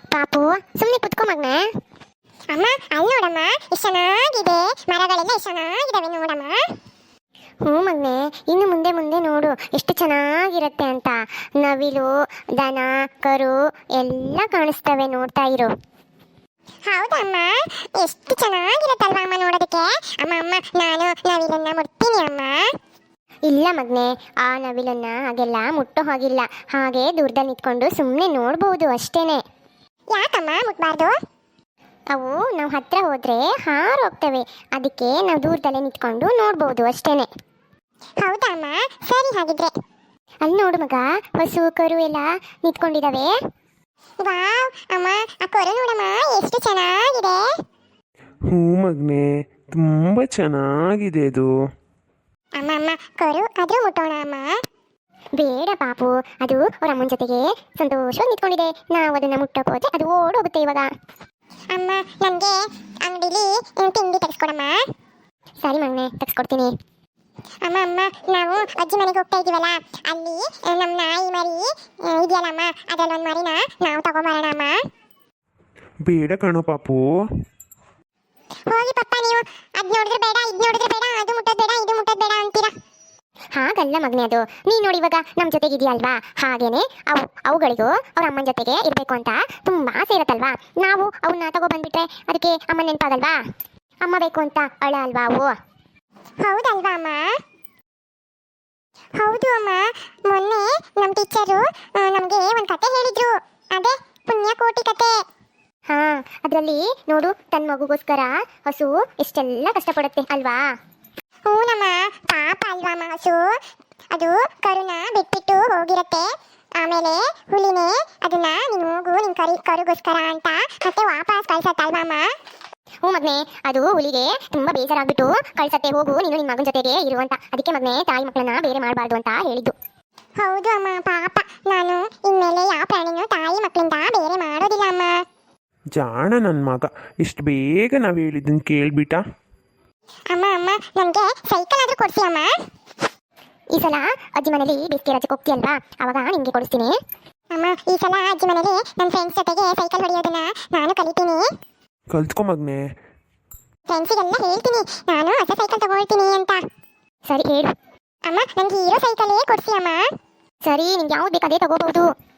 ಪಾಪು ಸುಮ್ಮನೆ ಕುತ್ಕೋ ಮಗ್ನೆ. ಅಮ್ಮ ಅಲ್ಲಿ ನೋಡಮ್ಮ ಎಷ್ಟು ಚೆನ್ನಾಗಿದೆ, ಮರಗಳೆಲ್ಲ ಎಷ್ಟು ಚೆನ್ನಾಗಿದಾವೆ ನೋಡಮ್ಮ. ಹ್ಞೂ ಮಗ್ನೆ, ಇನ್ನು ಮುಂದೆ ಮುಂದೆ ನೋಡು ಎಷ್ಟು ಚೆನ್ನಾಗಿರತ್ತೆ ಅಂತ. ನವಿಲು, ದನ, ಕರು ಎಲ್ಲ ಕಾಣಿಸ್ತವೆ, ನೋಡ್ತಾ ಇರು. ಹೌದಮ್ಮ, ಎಷ್ಟು ಚೆನ್ನಾಗಿರತ್ತಲ್ವಾ ಅಮ್ಮ ನೋಡೋದಕ್ಕೆ. ಅಮ್ಮ ಅಮ್ಮ ನಾನು ನವಿಲನ್ನ ಮುಟ್ತೀನಿ ಅಮ್ಮ. ಇಲ್ಲ ಮಗ್ನೆ, ಆ ನವಿಲನ್ನ ಹಾಗೆಲ್ಲ ಮುಟ್ಟೋ ಹಾಗಿಲ್ಲ. ಹಾಗೆ ದೂರದಲ್ಲಿ ನಿಂತ್ಕೊಂಡು ಸುಮ್ಮನೆ ನೋಡ್ಬೋದು ಅಷ್ಟೇನೆ. ಯಾಕಮ್ಮ ಮುಟ್ಬಾರ್ದು? ಅವು ನಾವು ಹತ್ರ ಹೋದ್ರೆ ಹಾರೋಗ್ತವೆ, ಅದಕ್ಕೆ ನಾವು ದೂರದಲ್ಲೇ ನಿಂತ್ಕೊಂಡು ನೋಡ್ಬೋದು ಅಷ್ಟೇನೆ. ಹೌದಾ ಅಮ್ಮ, ಸರಿ ಹಾಗಿದ್ರೆ. ಅಲ್ಲಿ ನೋಡು ಮಗ, ಹಸು ಕರು ಎಲ್ಲ ನಿಂತ್ಕೊಂಡಿದಾವೆ. ವಾವ್ ಅಮ್ಮ, ಆ ಕೊರು ನೋಡಮ್ಮ ಎಷ್ಟು ಚೆನ್ನಾಗಿದೆ. ಹ್ಞೂ ಮಗ್ನೆ, ತುಂಬ ಚೆನ್ನಾಗಿದೆ ಅದು. ಅಮ್ಮ ಅಮ್ಮ ಕೊರು ಆದ್ರೂ ಮುಟ್ಟೋಣ ಅಮ್ಮ. ಬೇಡ ಪಾಪು, ಅದು ಅವ್ರ ಅಮ್ಮನ ಜೊತೆಗೆ ಸಂತೋಷವಾಗಿ ನಿಂತ್ಕೊಂಡಿದೆ. ನಾವು ಅದನ್ನ ಮುಟ್ಟಕ್ಕೆ ಹೋದ್ರೆ ಅದು ಓಡೋಗುತ್ತೆ ಇವಾಗ. ಅಮ್ಮ ನನಗೆ ಅಂಗಡಿಲಿ ತಿಂಡಿ ತೆಗೆಸ್ಕೊಡಮ್ಮ. ಸರಿ ಮಗನೆ, ತೆಗೆಸ್ಕೊಡ್ತೀನಿ. ಅಮ್ಮ ಅಮ್ಮ ನಾವು ಅಜ್ಜಿ ಮನೆಗೆ ಹೋಗ್ತಾ ಇದೀವಲ್ಲ, ಅಲ್ಲಿ ನಮ್ಮ ನಾಯಿ ಮರಿ ಇದೆಯಲ್ಲಮ್ಮ, ಅದರಲ್ಲೊಂದು ಮರಿನ ನಾವು ತಗೊಂಬರೋಣ ಅಮ್ಮ. ಬೇಡ ಕಣೋ ಪಾಪು. ಹೋಗಿ ಪಪ್ಪ, ನೀವು ಅದ್ ನೋಡಿದ್ರೆ ಬೇಡ, ಇದ್ ನೋಡಿದ್ರೆ ಬೇಡ, ಅದು ಮುಟ್ಟೋದು ಬೇಡ, ಇದು ಮುಟ್ಟೋದು ಬೇಡ ಅಂತೀರಾ. ಹಾಗಲ್ಲ ಮಗನೆ, ಅದು ನೀನು ನೋಡಿ ಇವಾಗ ನಮ್ಮ ಜೊತೆಗೆ ಇದೆಯಲ್ವಾ, ಹಾಗೇನೆ ಅವುಗಳಿಗೂ ಅವ್ರ ಅಮ್ಮನ ಜೊತೆಗೆ ಇರಬೇಕು ಅಂತ ತುಂಬಾ ಆಸೆ ಇರುತ್ತಲ್ವಾ. ನಾವು ಅವನ್ನ ತಗೋ ಬಂದ್ಬಿಟ್ರೆ ಅದಕ್ಕೆ ಅಮ್ಮ ನೆನಪಾಗಲ್ವಾ? ಅಮ್ಮ ಬೇಕು ಅಂತ ಅಳ ಅಲ್ವಾ ಅವು. ಹೌದಲ್ವಾ ಅಮ್ಮ? ಹೌದು ಅಮ್ಮ, ಮೊನ್ನೆ ನಮ್ಮ ಟೀಚರು ನಮಗೆ ಒಂದು ಕತೆ ಹೇಳಿದ್ರು, ಅದೇ ಪುಣ್ಯಕೋಟಿ ಕತೆ. ಹಾ, ಅದರಲ್ಲಿ ನೋಡು, ತನ್ನ ಮಗುಗೋಸ್ಕರ ಹಸು ಎಷ್ಟೆಲ್ಲ ಕಷ್ಟಪಡುತ್ತೆ ಅಲ್ವಾ. ಹೂನಮ್ಮ, ಪಾಪ ಅಲ್ವಾ ಅಮ್ಮ ಹಸು. ಅದು ಕರುನ ಬಿಟ್ಬಿಟ್ಟು ಹೋಗಿರತ್ತೆ, ಆಮೇಲೆ ಹುಲಿನೇ ಅದನ್ನ ನೀನು ಹೋಗು ನಿನ್ ಕರುಗೋಸ್ಕರ ಅಂತ ಮತ್ತೆ ವಾಪಸ್ ಕಳ್ಸತ್ತಲ್ವಾ ಅಮ್ಮ. ಹ್ಞೂ ಮಗನೆ, ಅದು ಹುಲಿಗೆ ತುಂಬಾ ಬೇಜಾರಾಗ್ಬಿಟ್ಟು ಕಳ್ಸತ್ತೆ, ಹೋಗು ನೀನು ನಿನ್ನ ಮಗನ ಜೊತೆಗೆ ಇರುವಂತ. ಅದಕ್ಕೆ ಮಗನೆ, ತಾಯಿ ಮಕ್ಕಳನ್ನ ಬೇರೆ ಮಾಡಬಾರ್ದು ಅಂತ ಹೇಳಿದ್ದು. ಹೌದು ಅಮ್ಮ, ಪಾಪ. ನಾನು ಇನ್ಮೇಲೆ ಯಾವ ಪ್ರಾಣಿನೂ ತಾಯಿ ಮಕ್ಕಳಿಂದ ಬೇರೆ ಮಾಡೋದಿಲ್ಲ ಅಮ್ಮ. ಜಾಣ ನನ್ನ ಮಗ, ಇಷ್ಟು ಬೇಗ ನಾವು ಹೇಳಿದ್ದನ್ನು ಕೇಳ್ಬಿಟ್ಟ. ಅಮ್ಮ ಅಮ್ಮ ನನಗೆ ಸೈಕಲ್ ಆದ್ರೂ ಕೊಡ್ಸಿ ಅಮ್ಮ. ಈ ಸಲ ಅಜ್ಜಿ ಮನೇಲಿ ಬೇಸಿಗೆ ರಜಕ್ಕೆ ಹೋಗ್ತೀಯಲ್ವಾ, ಅವಾಗ ನಿಮಗೆ ಕೊಡಿಸ್ತೀನಿ. ಅಮ್ಮ ಈ ಸಲ ಅಜ್ಜಿ ಮನೇಲಿ ನನ್ನ ಫ್ರೆಂಡ್ಸ್ ಜೊತೆಗೆ ಸೈಕಲ್ ಹೊಡೆಯೋದನ್ನ ನಾನು ಕಲಿತೀನಿ. ಕಲ್ತ್ಕೊ ಮಗನೆ. ಫ್ರೆಂಡ್ಸಿಗೆಲ್ಲ ಹೇಳ್ತೀನಿ ನಾನು ಹೊಸ ಸೈಕಲ್ ತಗೊಳ್ತೀನಿ ಅಂತ. ಸರಿ ಹೇಳು. ಅಮ್ಮ ನನಗೆ ಹೀರೋ ಸೈಕಲೇ ಕೊಡ್ಸಿ ಅಮ್ಮ. ಸರಿ, ನಿಮ್ಗೆ ಯಾವ್ದು ಬೇಕು ಅದೇ ತಗೋಬಹುದು.